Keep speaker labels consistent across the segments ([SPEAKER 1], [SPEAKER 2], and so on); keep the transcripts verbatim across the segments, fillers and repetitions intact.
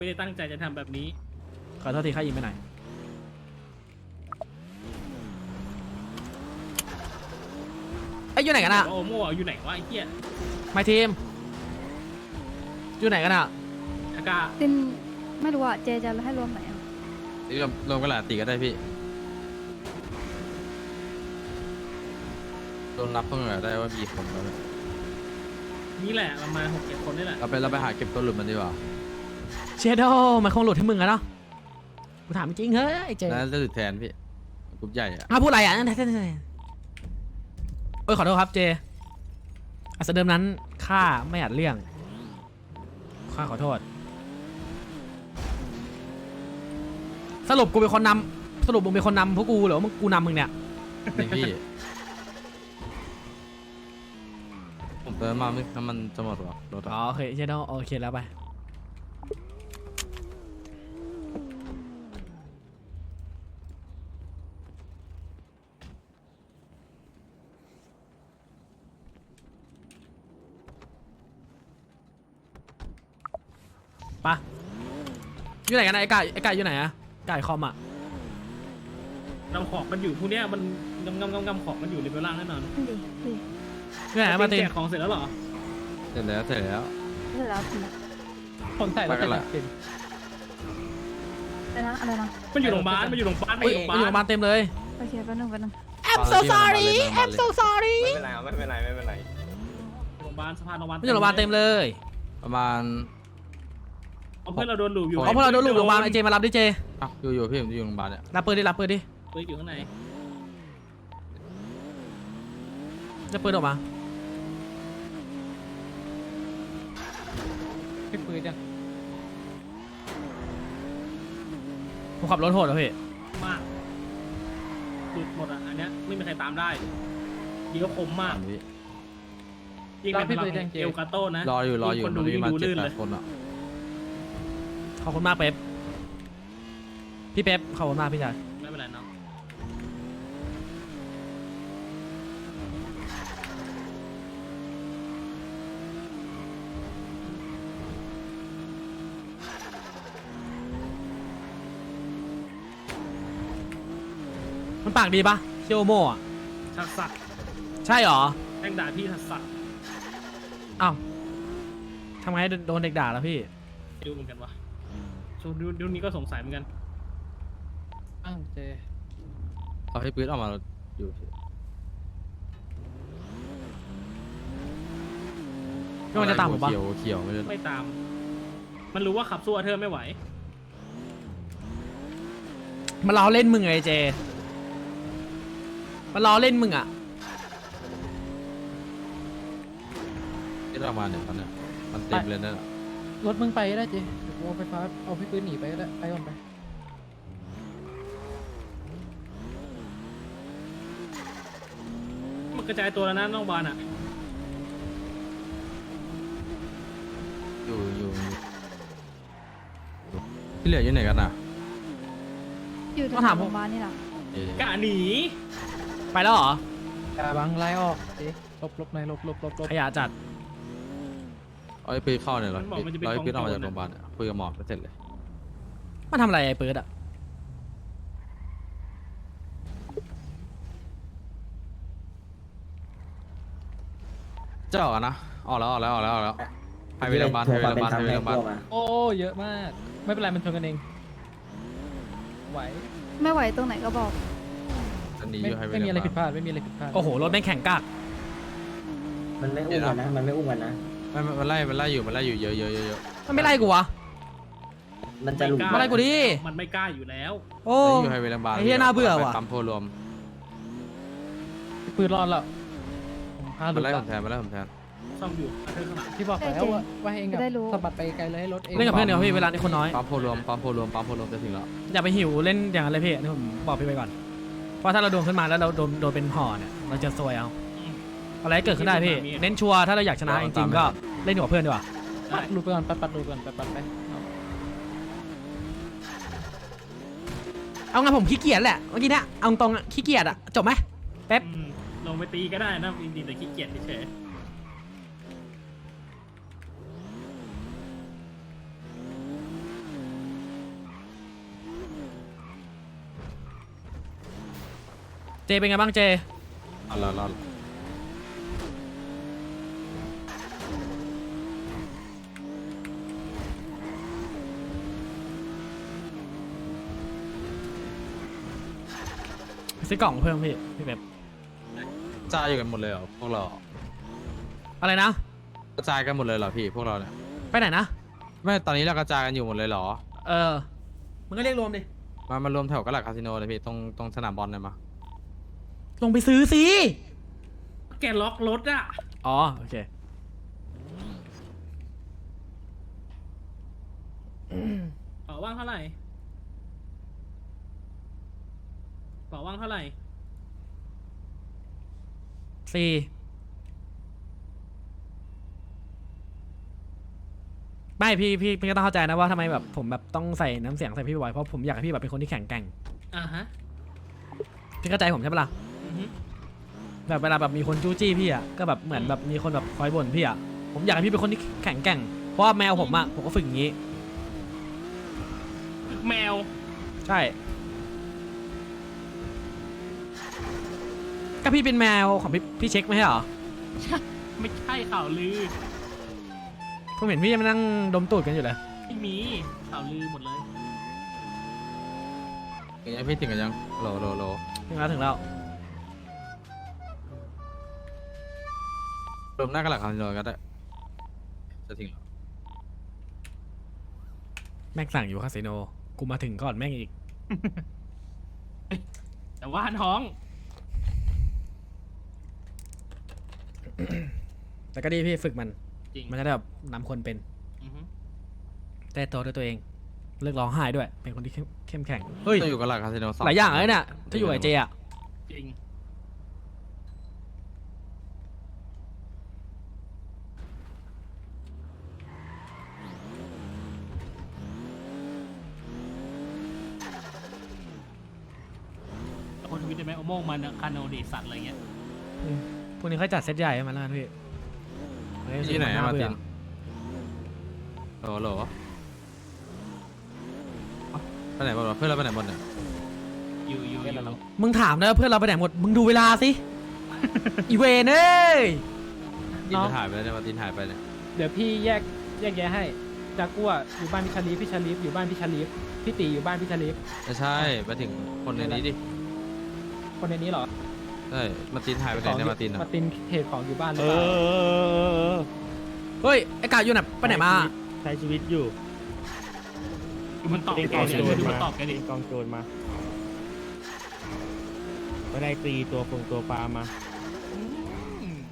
[SPEAKER 1] ไม่ได้ตั้งใจจะทำแบบนี้
[SPEAKER 2] ขอโทษทีข้ายิงไปไหนไอ้อยู่ไหนกันอะ
[SPEAKER 1] โอโม่อยู่ไหนวะไอ้เหี้ย
[SPEAKER 2] ไม่ทีมอยู่ไหนกันอะ
[SPEAKER 1] อากา
[SPEAKER 3] ตินไม่รู้อ่ะเจจะให้รวมไหนอ่ะ
[SPEAKER 4] รวมรวมกันหลายตีก็ได้พี่รวมนับเพิ่งหน่อยได้ว่ามีคนแล้ว
[SPEAKER 1] นี่แหละประมาณหกเจ็ดคนนี่แหละ
[SPEAKER 4] เราไปเราไปหาเก็บตัวหลุดมันดีกว่า
[SPEAKER 2] เชโดมันคงหลุดให้มึงอะเนาะกูถามจริงเฮ้ยไอ้เจ
[SPEAKER 4] นั่นจะหลุดแทนพี่กลุ่มใหญ่อะ
[SPEAKER 2] อ่ะพูดอะไรอ่ะเอ้ยขอโทษครับเจอัศเดิมนั้นข้าไม่อาจเลี่ยงข้าขอโทษสรุปกูเป็นคนนำสรุปมึงเป็นคนนำพวกกูหรือว่ามึงกูนำมึงเนี่ย
[SPEAKER 4] นี่พี่ผมเติมมาไม่น้ำมันจะหมดหรอรถ
[SPEAKER 2] อ๋อโอเคเชโดโอเคแล้วไปปะอยู่ไหนกันนะไอ้ไก่ไอ้ไก่อยู่ไหนอะไก่คอมอะ
[SPEAKER 1] นำของมันอยู่พวกเนี้ยมันงำงำงำงำของมันอยู่ในเบลล่างแน่นอน
[SPEAKER 3] ดีดี
[SPEAKER 2] อยู่ไหนมาตี
[SPEAKER 1] แจกของเสร็จแล้วเหรอ
[SPEAKER 4] เสร็จแล้วเสร็จแล้ว
[SPEAKER 3] เสร็จแล้วที
[SPEAKER 2] คนใส่แล้วเสร็จแล้ว
[SPEAKER 3] อะไรนะอะไรนะ
[SPEAKER 1] มันอยู่โรงพยาบาลมันอยู่โรงพยาบาลมันอยู่โรงพยาบาล
[SPEAKER 2] อยู่โรงพยาบาลเต็มเลย
[SPEAKER 3] โอเคแป๊บนึงแป๊บนึง
[SPEAKER 2] I'm so sorry I'm so sorry
[SPEAKER 5] ไม่เป็นไรไม่เป็นไรไม่เป็นไร
[SPEAKER 1] โรงพยาบาลสะพานโรงพยาบาล
[SPEAKER 2] มันอยู่โรงพยาบาลเต็มเลย
[SPEAKER 4] ประมาณ
[SPEAKER 1] เอาเพื่อนเราโดนหลูอยู่
[SPEAKER 2] เอาพวกเราโดนลูกโรงพยาบาลไอเจมารับดิเจ
[SPEAKER 4] อ่ะอยู่อยู่พี่ผมอยู่โรงพยาบาลเนี่ย
[SPEAKER 2] รับปืนดิรับปืนดิ
[SPEAKER 1] ปืนอยู่ข้างใน
[SPEAKER 2] จะปืนออกมา
[SPEAKER 6] พี่ปืนยัง
[SPEAKER 2] ผมขับรถโหดเหรอพี่
[SPEAKER 1] มากหลุดหมดอ่ะอันเนี้ยไม่มีใครตามได้ยิงก็คมมากยิงเป็นพลังเอลกาโต้นะ
[SPEAKER 4] รออยู่รออยู่
[SPEAKER 1] คนดูยิงดูลื่นเลย
[SPEAKER 4] คนอ่ะ
[SPEAKER 2] ขอบคุณมากเป๊ปพี่เป๊ปขอบคุณมากพี่ชาย
[SPEAKER 1] ไม่เป็นไรน้อง
[SPEAKER 2] มันปากดีปะเชียวโม่อะ
[SPEAKER 1] ชักสัก
[SPEAKER 2] ใช่หรอ
[SPEAKER 1] แม่งด่าพี่ชักสัก
[SPEAKER 2] อ้าวทำไงโดนเด็กด่าแล้วพี่
[SPEAKER 1] ดูเหมือนกันวะช่วงดูนี้ก็สงสัยเหมือนกัน
[SPEAKER 6] อ้าวเจ
[SPEAKER 4] เอาให้ปืนออกมาอยู่
[SPEAKER 2] ก็มันจะตามผมปะ
[SPEAKER 4] เขียวเขียวไม่ได้
[SPEAKER 1] ไม่ตามมันรู้ว่าขับสู้เธอไม่ไหว
[SPEAKER 2] มันล้อเล่นมึงไงเจมันล้อเล่นมึงอ่ะ
[SPEAKER 4] ที่เรามาเนี่ยตอนเนี้ยมันเต็มเลยนั่นแหละ
[SPEAKER 6] รถมึงไปก็ได้เจเดี๋ยวกูเอาไฟฟ้าเอาพี่ปืนหนีไปก็ได้ไปก่อนไป
[SPEAKER 1] มันกระจายตัวแล้วนะน้องบอลอ่ะ
[SPEAKER 4] อยู่อยู่ที่เหลืออยู่ไหนกันอ่ะ
[SPEAKER 3] อยู่ที่โรงพยาบาลนี่แหละ
[SPEAKER 1] กะหนี
[SPEAKER 2] ไปแล้วเหรอ
[SPEAKER 6] อย่าบังไล่ออกเจลบลบในลบลบลบลบ
[SPEAKER 2] ขยะจัด
[SPEAKER 4] เอาไอ้ปืนเข้าเนี่ยเหรอเราไอ้ปืนออกมาจากโรงพยาบาลคุยกับหมอก็เสร็จเลย
[SPEAKER 2] มันทำอะไรไอ้ปืนอ่ะ
[SPEAKER 4] จะออกนะออกแล้วออกแล้วออกแล้วออกแล้วให้ไปโรงพยาบาลให้ไปโรงพยาบาลให้ไปโรงพยาบาล
[SPEAKER 6] โอ้เยอะมากไม่เป็นไรมันชนกันเองไหว
[SPEAKER 3] ไม่ไหวตรงไหนก็บอก
[SPEAKER 6] ไม่มีอะไรผิดพลาดไม่มีอะไรผิดพลาด
[SPEAKER 2] โอ้โหรถแม่งแข่งกาก
[SPEAKER 5] มันไม่อุ้มกันนะมันไม่อุ้มกันนะ
[SPEAKER 4] ไม่มันไล่มันไล่อยู่มันไล่อยู่เยอะเยอะเยอะ
[SPEAKER 2] มันไม่ไล่กูวะ
[SPEAKER 5] มันจะหลุด
[SPEAKER 2] มาไล่กูดิ
[SPEAKER 1] มันไม่กล้าอยู่แล้ว
[SPEAKER 2] โอ้
[SPEAKER 4] อยู่ให้ไปโรงพยาบาล
[SPEAKER 2] ไอ้เหี้ยน่าเบื่อว่ะ
[SPEAKER 4] ปั๊มโพรวม
[SPEAKER 6] ปืนรอดแล้ว
[SPEAKER 4] มาไล่ผมแทนมาไล่ผมแทน
[SPEAKER 1] ซ่อมอยู่เธอข้างหลัง
[SPEAKER 6] ที่บอกแล้วว่าว่าเองกับสะบัดไปไกลเลยให้รถเอง
[SPEAKER 2] เล่นกับเพื่อนเดี๋ยวพี่เวลาที่คนน้อย
[SPEAKER 4] ปั๊มโพรวมปั๊มโพรวมปั๊มโพรวมจะถึงแล้ว
[SPEAKER 2] อย่าไปหิวเล่นอย่างนั้นเลยพี่นี่ผมบอกพี่ไปก่อนเพราะถ้าเราโดนขึ้นมาแล้วเราโดนโดนเป็นห่อเนี่ยเราจะซวยเอาอะไรเกิดขึ้นได้พี่เน้นชัวร์ถ้าเราอยากชนะจริงๆก็เล่นกับเพื่อนดีกว่า
[SPEAKER 6] ปัดลูกไปก่อนปัดปัดลูกก่อนปัดปัดไป
[SPEAKER 2] เอางั้นผมขี้เกียจแหละเมื่อกี้เนี่ยเอาตรงๆขี้เกียจอะจบไหมเป๊ป
[SPEAKER 1] ลงไปตีก็ได้นะจริงๆแต่ขี้เกียจเฉย
[SPEAKER 2] เจเป็นไงบ้างเจ
[SPEAKER 4] รอรอรอ
[SPEAKER 2] ซื้อกล่องเพิ่มพี่พี่แบบ
[SPEAKER 4] จ่ายอยู่กันหมดเลยเหรอพวกเรา
[SPEAKER 2] อะไรนะ
[SPEAKER 4] กระจายกันหมดเลยเหรอพี่พวกเราเนี่ย
[SPEAKER 2] ไปไหนนะ
[SPEAKER 4] ไม่ตอนนี้เรากระจายกันอยู่หมดเลยเหรอ
[SPEAKER 2] เออมันก็เรียกรวมดิ
[SPEAKER 4] มามารวมแถวกระหลักคาสิโนเลยพี่ตรงตรงสนามบอลเลยมา
[SPEAKER 2] ลงไปซื้อสิ
[SPEAKER 1] แกล็อกรถอะ
[SPEAKER 2] อ๋อโอเค
[SPEAKER 1] เป๋าว่างเท่าไหร่เป๋าว่างเท่าไหร่
[SPEAKER 2] สี่ไม่พี่พี่พี่ก็ต้องเข้าใจนะว่าทำไมแบบผมแบบต้องใส่น้ำเสียงใส่พี่บ่อยเพราะผมอยากให้พี่แบบเป็นคนที่แข็งแกร่ง
[SPEAKER 1] อ่าฮะ
[SPEAKER 2] พี่เข้าใจผมใช่ปะล่ะ
[SPEAKER 1] อือฮึ
[SPEAKER 2] แบบเวลาแบบมีคนจู้จี้พี่อ่ะก็แบบเหมือนแบบมีคนแบบคอยบ่นพี่อ่ะผมอยากให้พี่เป็นคนที่แข็งแกร่งเพราะว่าแมวผมอ่ะผมก็ฝึกอย่างนี้
[SPEAKER 1] แมว
[SPEAKER 2] ใช่ก็พี่เป็นแมวของพี่พี่เช็คไม่ใช่เหรอ
[SPEAKER 1] ไม่ใช่ข่าวลือ
[SPEAKER 2] ผมเห็นพี่ยังมานั่งดมตูดกันอยู่เลย
[SPEAKER 1] ไม่มีข่าวลือหมดเลย
[SPEAKER 4] ถึงยังพี่ถึงกันยังโหลโหลโหล
[SPEAKER 2] ถึงแล้วถึงแล้ว
[SPEAKER 4] รวมหน้ากระหลักคาสิโนก็ได้จะถึงเหรอ
[SPEAKER 2] แม่งสั่งอยู่คาสิโนกูมาถึงก่อนแม่งอีก
[SPEAKER 1] แต่ว่าท้อง
[SPEAKER 2] แต่ก็ดีพี่ฝึกมัน
[SPEAKER 1] จริง
[SPEAKER 2] มันจะได้แบบนำคนเป็น
[SPEAKER 1] อือฮึ
[SPEAKER 2] แต่ตัวด้วยตัวเองเลิกร้องไห้ด้วย เป็นคนที่เข้มเข้มแข็งเฮ้ย
[SPEAKER 4] ต้องอยู่กระหลักคาสิโนสอง
[SPEAKER 2] หลายอย่างเลยเนี่ยถ้าอยู่กับเจอ่ะ
[SPEAKER 1] จริงคนทวิตได้ไหมโอโมงมันคาโนเดสัตอะไรเงี้ย
[SPEAKER 2] อืมพวกนี้เขาจัดเซตใหญ่ให้มันแล้วกันพี่เฮ้ย
[SPEAKER 4] ที่ไหนอะมาร์ติน
[SPEAKER 2] เบื่อ
[SPEAKER 4] โหลโหลเอ้าไปไหนบ้างวะเพื่อนเราไปไหนหมดเนี่ย
[SPEAKER 1] อยู่อยู่อยู่
[SPEAKER 2] มึงถามนะเพื่อนเราไปไหนหมดมึงดูเวลาสิ อีเวนเอ้ย
[SPEAKER 4] ตินไปถ่ายไปแล้วเนี่ยมาตินถ่ายไปเนี่ย
[SPEAKER 6] เดี๋ยวพี่แยกแยกแยะให้จากกัวอยู่บ้านพี่ชาลีฟพี่ชาลีฟอยู่บ้านพี่ชาลีฟพี่ตีอยู่บ้านพี่ชาลีฟ
[SPEAKER 4] ไม่ใช่มาถึงคนในนี้ดิ
[SPEAKER 6] คนในนี้เหรอ
[SPEAKER 4] ใช่มาตินถ่ายไปไหนเนี่ยมาติน
[SPEAKER 6] มา
[SPEAKER 4] อะ
[SPEAKER 6] ตินเหตุของอยู่บ้านหรื
[SPEAKER 7] เอ
[SPEAKER 6] อเปล่า
[SPEAKER 7] อ
[SPEAKER 2] เฮ้ยไอ้กาอยู่ไหนไปไหนมา
[SPEAKER 7] ใช้ชีวิตอยู่
[SPEAKER 1] ดูมันตอบ
[SPEAKER 7] เป็น
[SPEAKER 1] แก
[SPEAKER 7] กอง
[SPEAKER 1] ดิ
[SPEAKER 7] โจร
[SPEAKER 1] ดู
[SPEAKER 7] มา
[SPEAKER 1] มันตอบแกดิ
[SPEAKER 7] เป็นกองโจรมาไม่ได้ตีตัวฟงตัวปลามา
[SPEAKER 1] อืม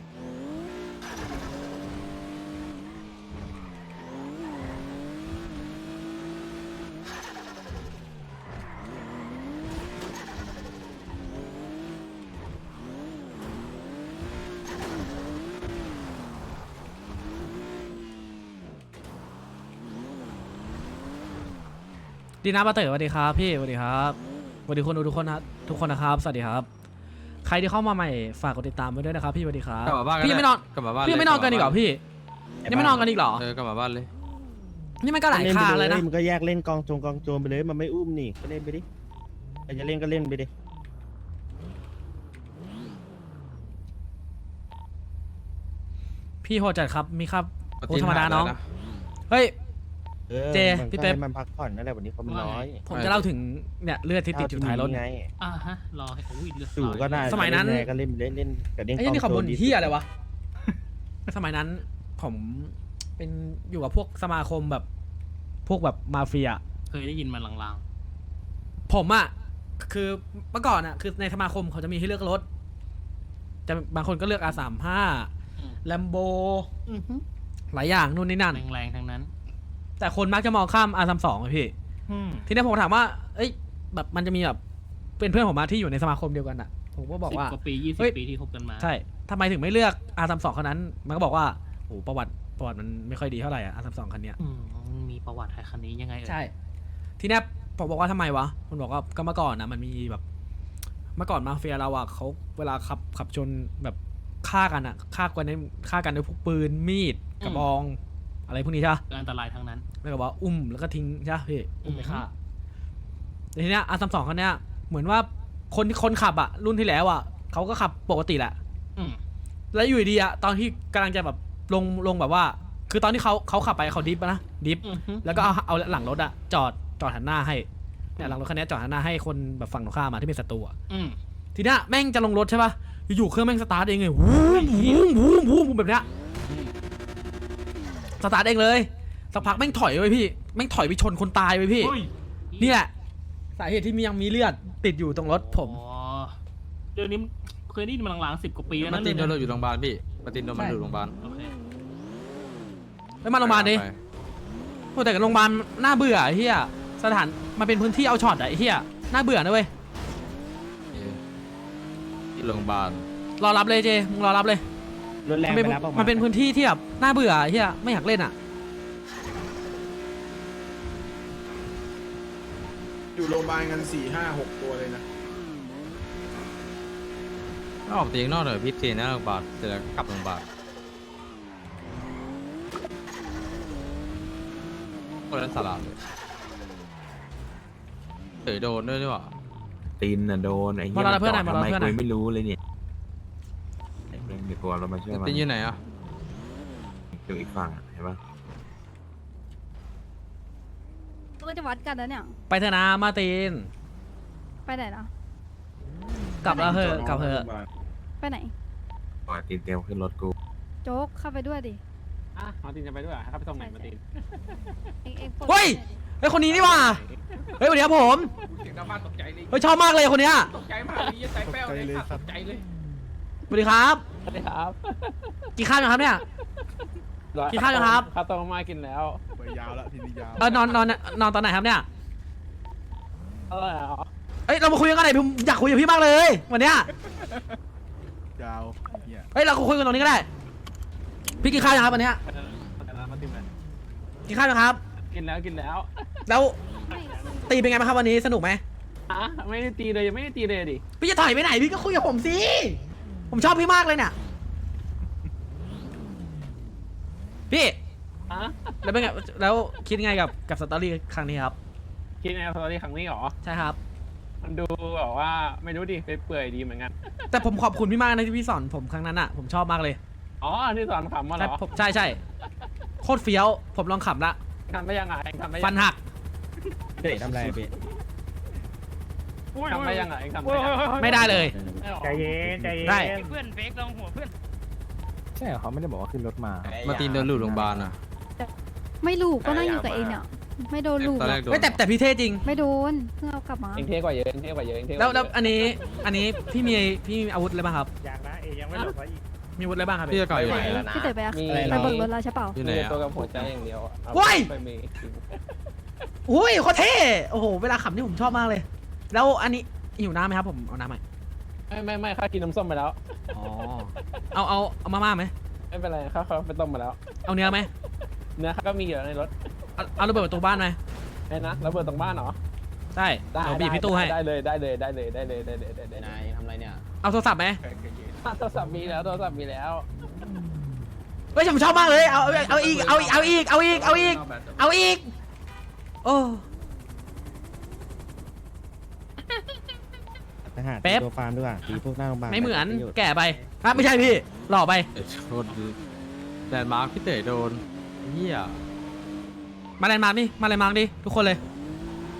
[SPEAKER 2] ดีนะป้าเต๋อสวัสดีครับพี่สวัสดีครับสวัสดีคนดูทุกคนนะทุกคนนะครับสวัสดีครับ ใครที่เข้ามาใหม่ฝากกดติดตามไว้ด้วยนะครับพี่สวัสดีครับ
[SPEAKER 4] กลับมาบ้าน
[SPEAKER 2] พี่ไม่นอน
[SPEAKER 4] กลับมาบ้าน
[SPEAKER 2] พี่ไม่นอนกันอีกเหรอพี่ยังไม่นอนกันอีกเหรอ
[SPEAKER 4] เออกลับมาบ้านเลย
[SPEAKER 2] นี่มันก็หลาย
[SPEAKER 7] เล่น
[SPEAKER 2] ค่า
[SPEAKER 7] ไป
[SPEAKER 2] เลยนะ
[SPEAKER 7] มันก็แยกเล่นกองโจรกองโจรไปเลยมันไม่อุ้มนี่ก็เล่นไปดิใครจะเล่นก็เล่นไปดิ
[SPEAKER 2] พี่โหดจัดครับมีครับ
[SPEAKER 4] มา
[SPEAKER 2] โอ้
[SPEAKER 4] ติน
[SPEAKER 2] ธรรมดา
[SPEAKER 4] ถ่ย
[SPEAKER 2] น้อง
[SPEAKER 4] แล้วะ
[SPEAKER 2] เฮ้ย
[SPEAKER 7] เออ
[SPEAKER 2] เจ
[SPEAKER 7] มัน
[SPEAKER 2] พี่
[SPEAKER 7] ก็
[SPEAKER 2] เป๊ป
[SPEAKER 7] ให้มันพักผ่อนนั่นแหละวันนี้เขามันน้อย
[SPEAKER 2] ผมจะเล่าถึงเนี่ยเลือดที่ติดอยู่ท้ายรถ
[SPEAKER 7] ไง
[SPEAKER 1] อ่าฮะ รอให้โอ้ยเลือด
[SPEAKER 7] สู่ก็ได้
[SPEAKER 2] สมัยนั้น
[SPEAKER 7] เล่ก็เล่นไปเล่นเล่นกับเล่น
[SPEAKER 2] ไอ้
[SPEAKER 7] กอง
[SPEAKER 2] นี่ขับ
[SPEAKER 7] โจ
[SPEAKER 2] บ
[SPEAKER 7] ร
[SPEAKER 2] น
[SPEAKER 7] ดี
[SPEAKER 2] เฮียอะไรวะ สมัยนั้นผมเป็นอยู่กับพวกสมาคมแบบพวกแบบมาเฟีย
[SPEAKER 1] เคยได้ยินมาลาง
[SPEAKER 2] ผมอะคือเมื่อก่อนอะคือในสมาคมเขาจะมีให้เลือกรถแต่บางคนก็เลือก อาร์ สามสิบห้า แลมโบ
[SPEAKER 3] อือฮึ
[SPEAKER 2] หลายอย่างนู่นนี่นั่น
[SPEAKER 1] ๆแรงๆทั้งนั้น
[SPEAKER 2] แต่คนมักจะมองข้าม อาร์ สามสิบสองอะพี่
[SPEAKER 1] อืม
[SPEAKER 2] ทีนี้ผมถามว่า เอ้ยแบบมันจะมีแบบเป็นเพื่อนผมมาที่อยู่ในสมาคมเดียวกันอะผมก็บอกว่า
[SPEAKER 1] สิบกว่าปียี่สิ
[SPEAKER 2] เฮ้
[SPEAKER 1] บ
[SPEAKER 2] ย
[SPEAKER 1] ปีที่คบกันมา
[SPEAKER 2] ใช่ทำไมถึงไม่เลือก อาร์ สามสิบสอง คันนั้น มันก็บอกว่าโอ้ประวัติประวัติมันไม่ค่อยดีเท่าไหร่อะ อาร์ สามสิบสอง คันเนี้ย
[SPEAKER 1] อืมมีประวัติไทยคันนี้ยังไงเอ่ย
[SPEAKER 2] ใช่ ทีเนี้ยผมบอกว่าทำไมวะ มันบอกว่าก็เมื่อก่อนนะมันมีแบบ เมื่อก่อนมาเฟียเราอะเขาเวลาขับขับชนแบบฆ่ากันอะฆ่ากันในฆ่ากันด้วยพวกปืนมีดกระบอง อะไรพวกนี้ใช่ปะ
[SPEAKER 1] อันตรายทั้งนั้น
[SPEAKER 2] แล้วก็บอกว่าอุ้มแล้วก็ทิ้งใช่ปะพี่อุ้มไป
[SPEAKER 1] อือฮึ
[SPEAKER 2] ฆ่าแต่ทีเนี้ยอาร์ สามสิบสอง คันเนี้ยเหมือนว่าคนคนขับอะรุ่นที่แล้วอะเขาก็ขับปกติแหละ
[SPEAKER 1] อืม
[SPEAKER 2] แล้วอยู่ดีอะตอนที่กำลังจะแบบลงลงแบบว่า คือตอนที่เขาเขาขับไปเขาดิฟอะนะดิฟ
[SPEAKER 1] อือฮึ
[SPEAKER 2] แล้วก็เอาเอาหลังรถอะจอดจอดหันหน้าให้เนี่ยหลังรถคันนี้จอดหันหน้าให้คนแบบฝั่งตรงข้ามมาที่เป็นศัตรูอะ
[SPEAKER 1] อืม
[SPEAKER 2] ทีเนี้ยแม่งจะลงรถใช่ปะอยู่ๆเครื่องแม่งสตาร์ทเองเลยวูมวูมวูมวูมแบบเนี้ยสตาร์ทเองเลยสักพักแม่งถอยไปพี่แม่งถอยไปชนคนตายไปพี่
[SPEAKER 1] เฮ้ย
[SPEAKER 2] นี่แหละสาเหตุที่มียังมีเลือดติดอยู่ตรงรถผม
[SPEAKER 1] อ๋อเรื่องนี้เคยได้ยินมาหลังๆสิบกว่าปีแล้ว
[SPEAKER 4] มา
[SPEAKER 1] นะ
[SPEAKER 4] ตินโดน
[SPEAKER 1] เรื่
[SPEAKER 4] เราอยู่โรงพยาบาลพี่มาตินโดนมันอยู่โรงพยาบาล
[SPEAKER 1] โอเค
[SPEAKER 2] ไปมาโรงพยาบาลดิ
[SPEAKER 4] ไป
[SPEAKER 2] โอ้แต่โรงพยาบาลน่าเบื่อไอ้เฮียสถานมันเป็นพื้นที่เอาช็อตอะไอ้เฮียน่าเบื่อนะเว้ย
[SPEAKER 4] ที่โรงพยาบาล
[SPEAKER 2] รอรับเลยเจมึงรอรับเลย
[SPEAKER 7] รถแรง
[SPEAKER 2] มันเป็น
[SPEAKER 7] ไปรับออกมา
[SPEAKER 2] มันเป็นพื้นที่ที่แบบน่าเบื่อไอ้เฮียไม่อยากเล่นอะ
[SPEAKER 8] อยู่โรงพยาบาลกันสี่ห้าหกตัวเลยนะ
[SPEAKER 4] ถ้าออกเตียงนอกหน่อยพี่เตียงหน้าโรงพยาบาลเสร็จแล้วกลับโรงพยาบาลคนนั้นสาระเลยเต๋อโดนด้วยนี่หว่า
[SPEAKER 9] ตีนน่ะโดนไอ้
[SPEAKER 2] มารอรับเพื่อนหน่อยมารอรับ
[SPEAKER 9] ทำไม
[SPEAKER 2] เพื่อนห
[SPEAKER 9] กู
[SPEAKER 2] น่อย
[SPEAKER 9] ไม่รู้เลยเนี่ยไอ้เรื่องเดี๋ยวกลัวเรามาช่วยมัน
[SPEAKER 4] ตีนอยู่ไหนอ่ะ
[SPEAKER 9] อยู่อีกฝั่งอะเห็นปะ
[SPEAKER 3] ก็จะวัดกันแล้วเนี่ย
[SPEAKER 2] ไปเถอะนะมาร์ติน
[SPEAKER 3] ไปไหนนะ
[SPEAKER 2] กลับแล้วเหอะกลับเหอะ
[SPEAKER 3] ไปไหน
[SPEAKER 9] ปล่อยตีนเตรียมขึ้นรถกู
[SPEAKER 3] โจ๊กเข้าไปด้วยดิ
[SPEAKER 6] อ่ะมาตินจะไปด้วยเหรอให้เขาไปส่งไหนมาติน
[SPEAKER 3] เอ็งเอ็งปลด
[SPEAKER 2] เฮ้ยไอยคนนี้นี่หว่าเฮ้ยสวัสดีครับผม
[SPEAKER 6] เสียงหน้าบ้านตกใจเลย
[SPEAKER 2] เฮ้ยชอบมากเลยคนเนี้ย
[SPEAKER 6] ตกใจมากเลยใจแป้วเลยตกใจเลย
[SPEAKER 2] สวัสดีครับ
[SPEAKER 6] สวัสดีครับ
[SPEAKER 2] กินข้าวยังครับเนี่ย กินข้าวยังครับ
[SPEAKER 6] ข้าวต้มมากินแล้ว
[SPEAKER 8] ไปยาวแล้วทีนี้ยาว
[SPEAKER 2] เออนอนนอนนอนตอนไหนครับเนี่ย
[SPEAKER 6] อร่อยเหรอ
[SPEAKER 2] เอ้ยเรามาคุยกันหน่อยผมอยากคุยกับพี่มากเลยวันเนี้ย
[SPEAKER 8] ยาวเนี่ย
[SPEAKER 2] เฮ้ยเราคุยกันตรงนี้ก็ได้ พี่กินข้าวยังครับวันเนี้ย
[SPEAKER 6] มาตินเลย
[SPEAKER 2] กินข้าวยังครับ
[SPEAKER 6] กินแล้วกินแล้ว
[SPEAKER 2] แล้วตีเป็นไงบ้างครับวันนี้สนุกไหม
[SPEAKER 6] อ่ะไม่ได้ตีเลยยังไม่ได้ตีเลยดิ
[SPEAKER 2] พี่จะถอยไปไหนพี่ก็คุยกับผมสิผมชอบพี่มากเลยเนี่ยพี่
[SPEAKER 6] อ่ะ
[SPEAKER 2] แล้วเป็นไงแล้วคิดไงกับกับสตอรี่ครั้งนี้ครับ
[SPEAKER 6] คิดในสตอรี่ครั้งนี้เหรอ
[SPEAKER 2] ใช่ครับ
[SPEAKER 6] มันดูแบบว่าไม่รู้ดิไปเปื่อยดีเหมือนกัน
[SPEAKER 2] แต่ผมขอบคุณพี่มากนะที่พี่สอนผมครั้งนั้นอ่ะผมชอบมากเลย
[SPEAKER 6] อ๋อที่สอนขำมาเหร
[SPEAKER 2] ใช่
[SPEAKER 6] อ
[SPEAKER 2] ผมใช่ใช่โคตรเฟี้ยวผมลองขำละ
[SPEAKER 6] ทำได้ยังไงทำได้
[SPEAKER 2] ฟันหัก
[SPEAKER 7] เตะทำไรอะพี่
[SPEAKER 6] ทำได้ยังไงทำได้ยังไง
[SPEAKER 2] ไม่ได้เลย
[SPEAKER 7] ใจเย็นใจเย็น
[SPEAKER 2] ได้
[SPEAKER 6] เพื่อนเฟกลงหัวเพื่อน
[SPEAKER 7] ใช่เหรอเขาไม่ได้บอกว่าขึ้นรถมา
[SPEAKER 4] มาตินโดนหลุดโรงพยาบาลอ่ะ
[SPEAKER 3] ไม่ลูกก็นั่งอยู่กับเองเนี่ย ไม่โดนลูก
[SPEAKER 4] ตอนแรกโดน
[SPEAKER 2] ไม่แต่แต่พี่เท่จริง
[SPEAKER 3] ไม่โดนเพิ่งเอากลับมา
[SPEAKER 6] เองเท่กว่าเยอะเองเท่กว่าเยอะเองเท่ก
[SPEAKER 2] แล้ว
[SPEAKER 6] ว่าเย
[SPEAKER 2] แล้ว
[SPEAKER 6] อะ
[SPEAKER 2] อันนี้อันนี้พี่มีพี่มีอาวุธอะไรบ้างครับ
[SPEAKER 7] อยากนะเอยังไม่หลบไว้อีก
[SPEAKER 2] มีอาวุธอะไรบ้างครับ
[SPEAKER 4] พี่จะก่อยอยู่ไหน
[SPEAKER 3] พี่เต๋อไปอะ
[SPEAKER 6] มี
[SPEAKER 3] ไปเบิกรถแล้วใช่เปล่า
[SPEAKER 4] อยู่ไหน
[SPEAKER 6] มี
[SPEAKER 4] อ่ะ
[SPEAKER 6] ตัวกับหัวใจอย่างเดียวอะเอา
[SPEAKER 2] โว้ย
[SPEAKER 6] ไปมี
[SPEAKER 2] อุ้ยโคตรเท่โอ้โหเวลาขำนี่ผมชอบมากเลย แล้วอันนี้หิวน้ำไหมครับผมเอาน้ำไหม
[SPEAKER 6] ไม่ไม่ไม่ข้ากินน้ำส้มไปแล้ว
[SPEAKER 2] อ๋อเอาเอาเอามาม่าไหม
[SPEAKER 6] ไม่เป็นไรข้าเขาไปต้มมาแล้ว
[SPEAKER 2] เอาเนื้อไหม
[SPEAKER 6] เนื้อข้าก็มีอยู่ในรถ
[SPEAKER 2] เอาเอาระเบิดประตูบ้านไหม
[SPEAKER 6] ไอ้นะระเบิดตรงบ้านเหรอ
[SPEAKER 2] ได้
[SPEAKER 6] ได้
[SPEAKER 2] เดี๋ยวบีบพี่ตู้ให้
[SPEAKER 6] ได้เลยได้เลยได้เลยได้เลยได้เลยได้เลย
[SPEAKER 5] นายทำไรเนี่ย
[SPEAKER 2] เอาโทรศัพท์ไหม
[SPEAKER 6] โทรศัพท์มีแล้วโทรศัพท์มีแล้ว
[SPEAKER 2] เฮ้ยผมชอบมากเลยเอาเอาเอาอีกเอาอีกเอาอีกเอาอีกเอาอีกเอาอีกโอ้
[SPEAKER 7] ทหาร
[SPEAKER 2] เป๊ป
[SPEAKER 7] ตัวฟาร์มด้วยตีพวกหน้าโรงพยาบาล
[SPEAKER 2] ไม่เหมือน
[SPEAKER 7] ประโยชน์
[SPEAKER 2] แก่ไปอ่ะไม่ใช่พี่หล่อไป
[SPEAKER 4] เอ้ยโทษดิแดนมาร์คพี่เต๋อโดนเฮีย
[SPEAKER 2] มาแลนด์มาร์กนี่มาแลนด์มาร์กดิทุกคนเลย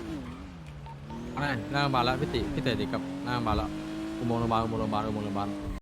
[SPEAKER 4] อะไรหน้าโรงพยาบาลแล้วพี่ติพี่เต๋อติดกับหน้าโรงพยาบาลแล้วอุโมงค์โรงพยาบาลอุโมงค์โรงพยาบาลอุโมงค์โรงพยาบาล